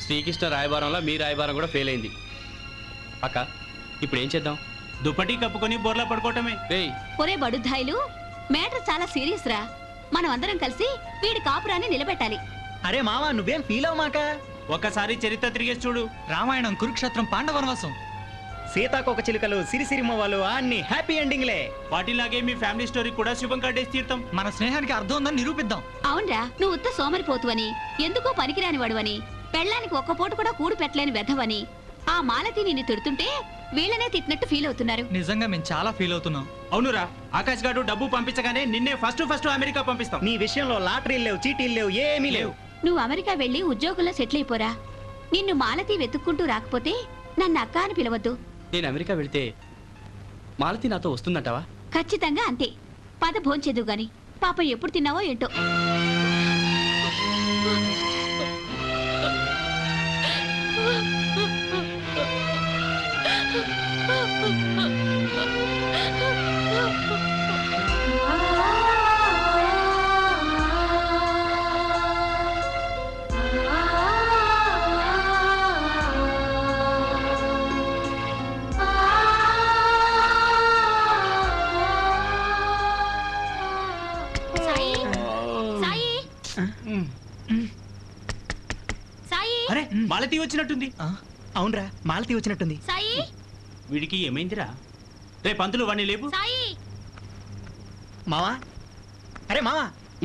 శ్రీకృష్ణ రాయబారంలో మీ రాయబారం కూడా ఫెయిల్ అయింది. అక్క ఇప్పుడు ఏం చేద్దాం? దుప్పటి కప్పుకొని బోర్లా పడుకోవటమే. ఒరే బడుద్దాయిలు, మ్యాటర్ చాలా సీరియస్ రా. మనం అందరం కలిసి వీడి కాపురాన్ని నిలబెట్టాలి. అరే మావా, నువ్వేం ఫీల్ అవ్వమాక. ఒకసారి చరిత్ర తిరిగేసి చూడు. రామాయణం, కురుక్షేత్రం, పాండవనవాసం, సీతాకోక చిలుకలు, సిరిసిరిమ్మవాళ్ళు అన్ని హ్యాపీ ఎండింగ్లే. వాటిలాగే మీ ఫ్యామిలీ స్టోరీ కూడా శుభం కట్టేసి తీర్థం. మన స్నేహానికి అర్థం ఉందని నిరూపిద్దాం. అవునరా, నువ్వు ఉత్త సోమరిపోతువని, ఎందుకో పనికిరాని వాడువని, పెళ్ళానికి ఒక్క పూట కూడా కూడు పెట్టలేని వెధవని ఆ మాలతి నిన్ను తిడుతుంటే వీళ్ళనే తిట్టినట్టు ఫీల్ అవుతున్నారు. నిజంగా మేము చాలా ఫీల్ అవుతున్నాం. అవునురా, ఆకాశ్ గారు డబ్బు పంపించగానే నిన్నే ఫస్ట్ అమెరికా పంపిస్తాం. నీ విషయంలో లాటరీలు లేవు, చీటీలు లేవు, ఏమీ లేవు. నువ్వు అమెరికా వెళ్లి ఉద్యోగంలో సెటిల్ అయిపోరా. నిన్ను మాలతి వెతుక్కుంటూ రాకపోతే నన్ను అక్క అని పిలవద్దు. నేను అమెరికా వెళ్తే మాలతి నాతో వస్తుందంటావా? ఖచ్చితంగా అంతే. పద భోంచేదు గాని. పాప ఎప్పుడు తిన్నావో ఏంటో. అరే మాలతి వచ్చినట్టుంది. అవునరా, మాలతి వచ్చినట్టుంది. వీడికి ఏమైందిరా? రే పంతులు, వాణ్ణి లేపు. మావా, అరే మావా.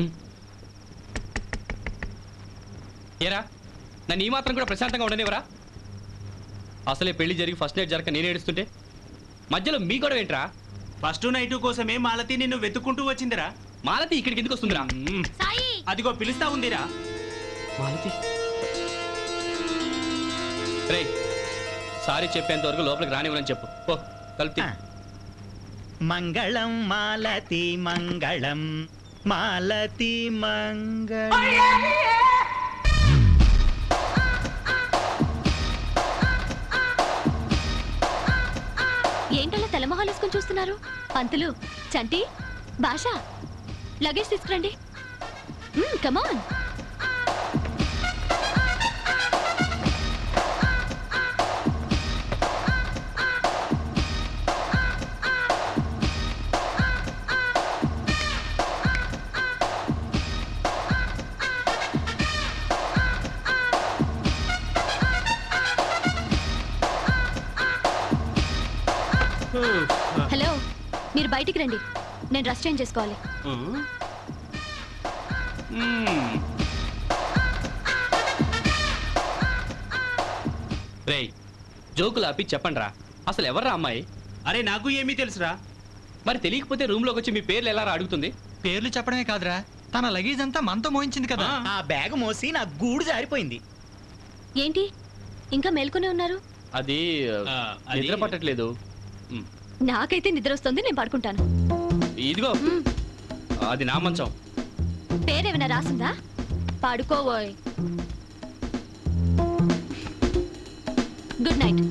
ఏరా, నన్ను ఈ మాత్రం కూడా ప్రశాంతంగా ఉండనివరా? అసలే పెళ్లి జరిగి ఫస్ట్ నైట్ జరగక నేను ఏడుస్తుంటే మధ్యలో మీ గొడవ ఏంట్రా? ఫస్ట్ నైట్ కోసమే మాలతి నిన్ను వెతుక్కుంటూ వచ్చిందిరా. మాలతి ఇక్కడికి ఎందుకు వస్తుందిరా? అదిగో పిలుస్తా ఉందిరా. మాలతి రే, సారీ చెప్పేంత వరకు లోపలికి రానివ్వని చెప్పు. ఓ కలిపి. మంగళం మాలతి మంగళం, మాలతి మంగళం. ఏంటలా తెల్లమొహాలేసుకొని చూస్తున్నారు? పంతులు, చంటి, భాష, లగేజ్ తీసుకురండి. కమాన్. హలో, మీరు బయటికి రండి. నేను డ్రెస్ చేంజ్ చేసుకోవాలి. రేయ్, జోకులు ఆపి చెప్పండి రా, అసలు ఎవర్రా అమ్మాయి? అరే నాకు ఏమీ తెలుసురా. మరి తెలియకపోతే రూమ్ లోకి వచ్చి మీ పేర్లు ఎలా అడుగుతుంది? పేర్లు చెప్పడమే కాదురా, తన లగేజ్ అంతా మనతో మోయించింది కదా. ఆ బ్యాగ్ మోసి నా గూడు జారిపోయింది. ఏంటి ఇంకా మేల్కొనే ఉన్నారు? అది నిద్ర పట్టట్లేదు. నాకైతే నిద్ర వస్తుంది, నేను పడుకుంటాను. ఇదిగో, అది నా మంచం. పేరేమైనా రాసిందా? పడుకోవోయ్. Good night.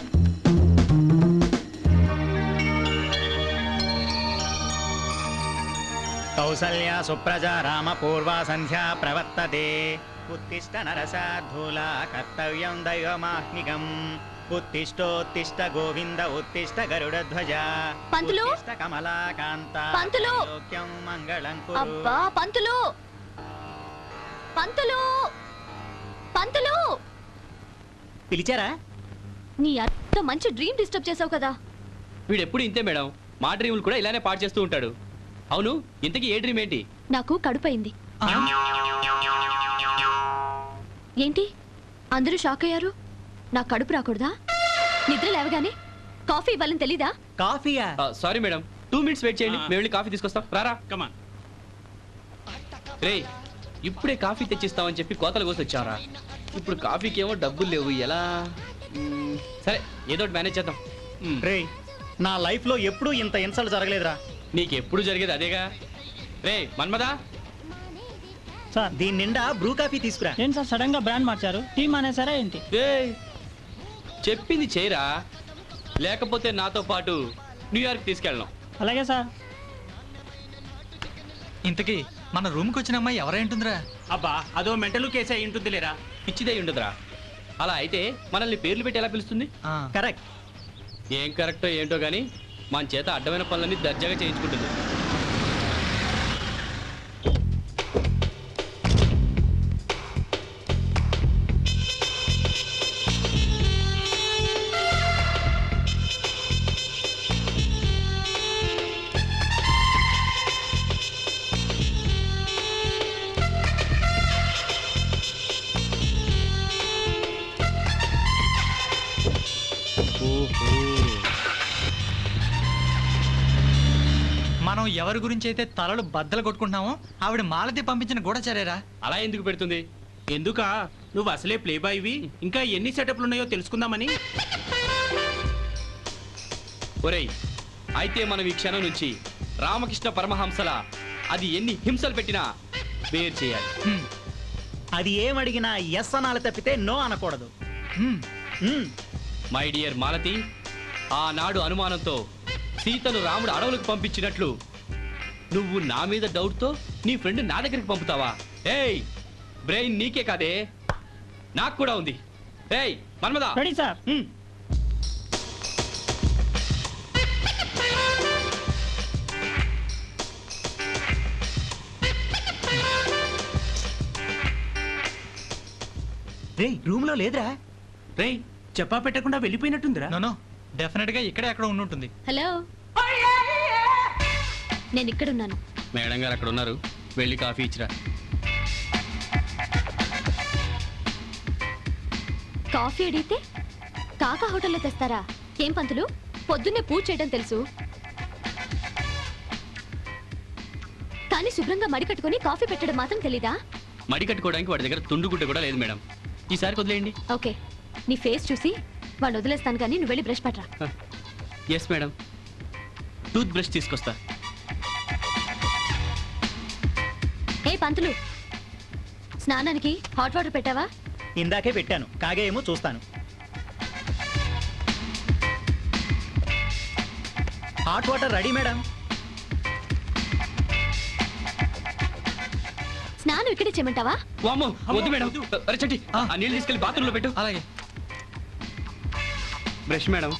కౌసల్య సుప్రజా రామ పూర్వ సంధ్యా ప్రవర్తతే. ఉత్తిష్ట నరసాధూలా కర్తవ్యం దైవమాహ్నికం. ఉత్తిష్టోత్తిష్ట గోవింద ఉత్తిష్ట గరుడధ్వజ. పంతులు, ఉత్తిష్ట కమలాకాంత. పంతులు, లోక్యం మంగళం కురు. అబ్బా పంతులు, పంతులు, పంతులు. పిలిచారా? నీ అత్త మంచి డ్రీమ్ డిస్టర్బ్ చేసావు కదా. వీడు ఎప్పుడు ఇంతే మేడం, మా డ్రీములు కూడా ఇలానే పాడు చేస్తూ ఉంటాడు. అవును, ఇంతకీ ఏ డ్రీమ్ ఏంటి? నాకు కడుపయింది. ఏంటి అందరూ షాక్ అయ్యారు? నా కడుపు రాకూడదా? నిద్ర లేవగానే కాఫీ ఇవ్వాలని తెలీదా? కాఫీయా? సారీ మేడం, 2 minutes వెయిట్ చేయండి, మేము వెళ్ళి కాఫీ తీసుకొస్తాం. రారా. కమాన్. రే, ఇప్పుడే కాఫీ తెచ్చిస్తామని చెప్పి కోతలు కోసి వచ్చారా? ఇప్పుడు కాఫీకి ఏమో డబ్బులు లేవు, ఎలా? సరే, ఏదో ఒకటి మేనేజ్ చేద్దాం. రేయ్, నా లైఫ్ లో ఎప్పుడూ ఇంత ఇన్సల్ట్ జరగలేదురా. నీకు ఎప్పుడు జరిగేది అదేగా. రే మన్మదా, సార్ దీని నిండా బ్రూ కాఫీ తీసుకురా. ఏం సార్ సడన్ గా బ్రాండ్ మార్చారు? టీమ్ అనేసారా ఏంటి? చెప్పింది చేయరా, లేకపోతే నాతో పాటు న్యూయార్క్ తీసుకెళ్ళను. అలాగే సార్. ఇంతకీ మన రూమ్కి వచ్చిన అమ్మాయి ఎవరై ఉంటుందిరా? అబ్బా, అదో మెంటల్ కేసు అయి ఉంటుంది లేరా. పిచ్చిదై ఉండదురా. అలా అయితే మనల్ని పేర్లు పెట్టి ఎలా పిలుస్తుంది? ఆ, కరెక్ట్. ఏం కరెక్టో ఏంటో గానీ మన చేత అడ్డమైన పనులన్నీ దర్జాగా చేయించుకుంటుంది. మనం ఎవరి గురించి అయితే తలలు బద్దలు కొట్టుకుంటున్నామో ఆవిడ మాలతి పంపించిన గూఢచారేరా. అలా ఎందుకు పెడుతుంది? ఎందుకా నువ్వు అసలే ప్లే బాయ్వి, ఇంకా ఎన్ని సెటప్లు ఉన్నాయో తెలుసుకుందామని. ఒరేయ్, అయితే మనం ఈ క్షణం నుంచి రామకృష్ణ పరమహంసల అది ఎన్ని హింసలు పెట్టినా బేర్ చేయాలి. హ్మ్, అది ఏమడిగినా ఎస్ అనాలి తప్పితే నో అనకూడదు. హ్మ్. మ్మ్. మై డియర్ మాలతి, ఆనాడు అనుమానంతో సీతను రాముడు అడవులకు పంపించినట్లు నువ్వు నా మీద డౌట్తో నీ ఫ్రెండ్ నా దగ్గరికి పంపుతావా? ఏయ్, బ్రెయిన్ నీకే కాదే, నాకు కూడా ఉంది. ఏయ్ మన్మదా, రెడీ సార్. రేయ్ రూమ్ లో లేదురా. రేయ్ చెప్పా పెట్టకుండా వెళ్ళిపోయినట్టుందిరా. నో డెఫినెట్ గా ఇక్కడే అక్కడ ఉండుంటుంది. హలో, నేను ఇక్కడున్నాను. మేడం గారు అక్కడ ఉన్నారు, వెళ్ళి కాఫీ ఇచ్చిరా. కాఫీ అడిగితే కాకా హోటల్లో తెస్తారా? ఏం పంతులు, పొద్దున్నే పూజ చేయడం తెలుసు, కానీ శుభ్రంగా మడి కట్టుకొని కాఫీ పెట్టడం మాత్రం తెలీదా? మడి కట్టుకోవడానికి వాడి దగ్గర తుండుగుడ్డ కూడా లేదు మేడం. ఈసారి వదిలేయండి. ఓకే, నీ ఫేస్ చూసి వాడిని వదిలేస్తాను, కానీ నువ్వు వెళ్ళి బ్రష్ పట్టరా. ఎస్ మేడం, టూత్ బ్రష్ తీసుకొస్తా. ఏ పంతులు, స్నానానికి హాట్ వాటర్ పెట్టావా? ఇందాకే పెట్టాను, కాగే ఏమో చూస్తాను. Hot water ready madam. స్నానం ఇక్కడే చేయమంటావా? వామ్మో, వద్దు మేడం. వద్దు. అరే చట్టి, ఆ నీళ్ళు తీసుకెళ్లి బాత్రూంలో పెట్టు. అలాగే. Brush madam.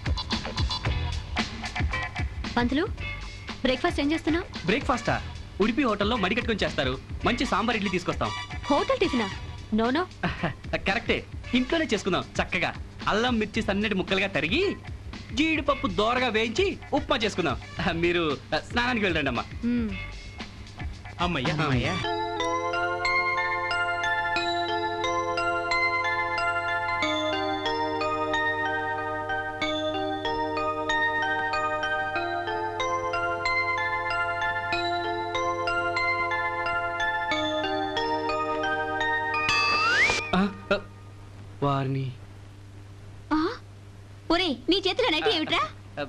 పంతులు, బ్రేక్ఫాస్ట్ ఏం చేస్తున్నావు? బ్రేక్ఫాస్టా? ఉడిపి హోటల్లో మడి కట్టుకొని చేస్తారు. మంచి సాంబార్ ఇడ్లీ తీసుకొస్తాం. హోటల్ టిఫినా? నో. కరెక్టే, ఇంట్లోనే చేసుకుందాం చక్కగా. అల్లం మిర్చి సన్నటి ముక్కలుగా తరిగి జీడిపప్పు దోరగా వేయించి ఉప్మా చేసుకుందాం. మీరు స్నానానికి వెళ్ళండి అమ్మా. మ్మ్. అమ్మయ్యా అమ్మయ్యా. వారిని ఆ? ఒరే, నీ చేతిలో నైట్ ఏమిట్రా?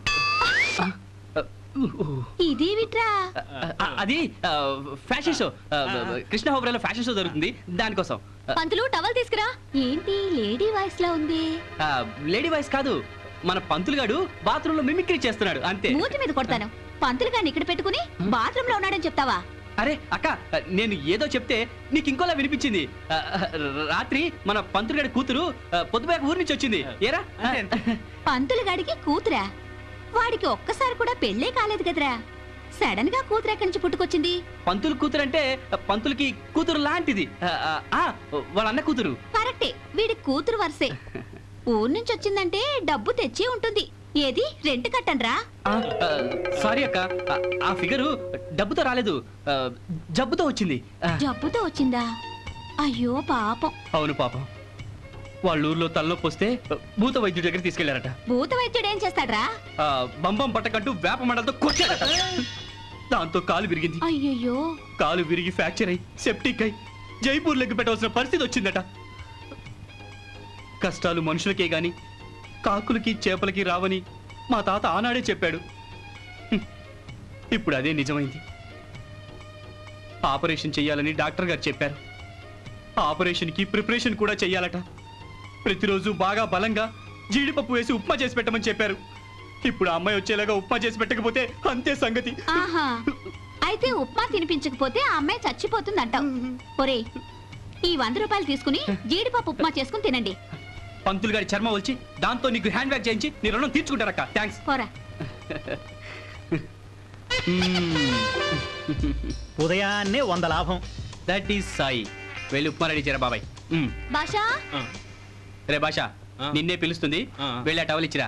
ఇదేమిట్రా? అది ఫ్యాషన్ షో, కృష్ణ హోబ్రాలో ఫ్యాషన్ షో జరుగుతుంది, దానికోసం. పంతులు, టవల్ తీసుకురా. ఏంటి లేడీ వాయిస్ లా ఉంది? లేడీ వాయిస్ కాదు, మన పంతులు గాడు బాత్రూమ్ లో మిమిక్రీ చేస్తున్నాడు అంతే. మూతి మీద కొడతాను. పంతులు గారిని ఇక్కడ పెట్టుకుని బాత్రూమ్ లో ఉన్నాడని చెప్తావా? అరే అక్క, నేను ఏదో చెప్తే నీకు ఇంకోలా వినిపించింది. రాత్రి మన పంతులు గారి కూతురు పొద్దుపోయాక ఊరి నుంచి వచ్చింది. ఏరా? పంతులు గాడికి కూతురా? వాడికి ఒక్కసారి కూడా పెళ్ళే కాలేదు కదరా. సడన్ గా కూతురు ఎక్కడి నుంచి పుట్టుకొచ్చింది? పంతులు కూతురు అంటే పంతులకి కూతురు లాంటిది. వాళ్ళ అన్న కూతురు. కరెక్టే, వీడి కూతురు వరసే. ఊరు నుంచి వచ్చిందంటే డబ్బు తెచ్చి ఉంటుంది. ఏది రెంట్ కట్టండ్రా. సారీ అక్క, ఆ ఫిగరు డబ్బుతో రాలేదు, జబ్బుతో వచ్చింది. జబ్బుతో వచ్చిందా? అయ్యో పాపం. అవును పాపం. వాళ్ళ ఊర్లో తలనొప్పి వస్తే భూత వైద్యుడి దగ్గర తీసుకెళ్లారట. భూత వైద్యుడు ఏం చేస్తాడ్రా? బంబం పట్టకంటూ వేప మండలతో కొట్టాడట. దాంతో కాలు విరిగింది. అయ్యయ్యో. కాలు విరిగి ఫ్రాక్చర్ అయి సెప్టిక్ అయి జైపూర్ లెగ్గు పెట్టవలసిన పరిస్థితి వచ్చిందట. కష్టాలు మనుషులకే గాని కాకులకి చేపలకి రావని మా తాత ఆనాడే చెప్పాడు. ఇప్పుడు అదే నిజమైంది. ఆపరేషన్ చెయ్యాలని డాక్టర్ గారు చెప్పారు. ఆపరేషన్కి ప్రిపరేషన్ కూడా చెయ్యాలట. ప్రతిరోజు బాగా బలంగా జీడిపప్పు వేసి ఉప్మా చేసి పెట్టమని చెప్పారు. ఇప్పుడు ఆ అమ్మాయి వచ్చేలాగా ఉప్మా చేసి పెట్టకపోతే అంతే సంగతి. ఆహా, అయితే ఉప్మా తినిపించకపోతే ఆ అమ్మాయి చచ్చిపోతుంది అంటావు. ఒరే, ఈ 100 రూపాయలు తీసుకుని జీడిపప్పు ఉప్మా చేసుకుని తినండి. పంతులు గారి చర్మ వచ్చి దాంతో నీకు హ్యాండ్ బ్యాగ్ చేయించి నీ రుణం తీర్చుకుంటారక్క. థ్యాంక్స్. పోరా. ఉదయాన్నే 100 లాభం. That is Sai. వెళ్ళి ఉప్మా రెడీ చేయరా బాబాయ్. భాషా రే భాష, నిన్నే పిలుస్తుంది. వెళ్ళి ఆ టవల్ ఇచ్చిరా.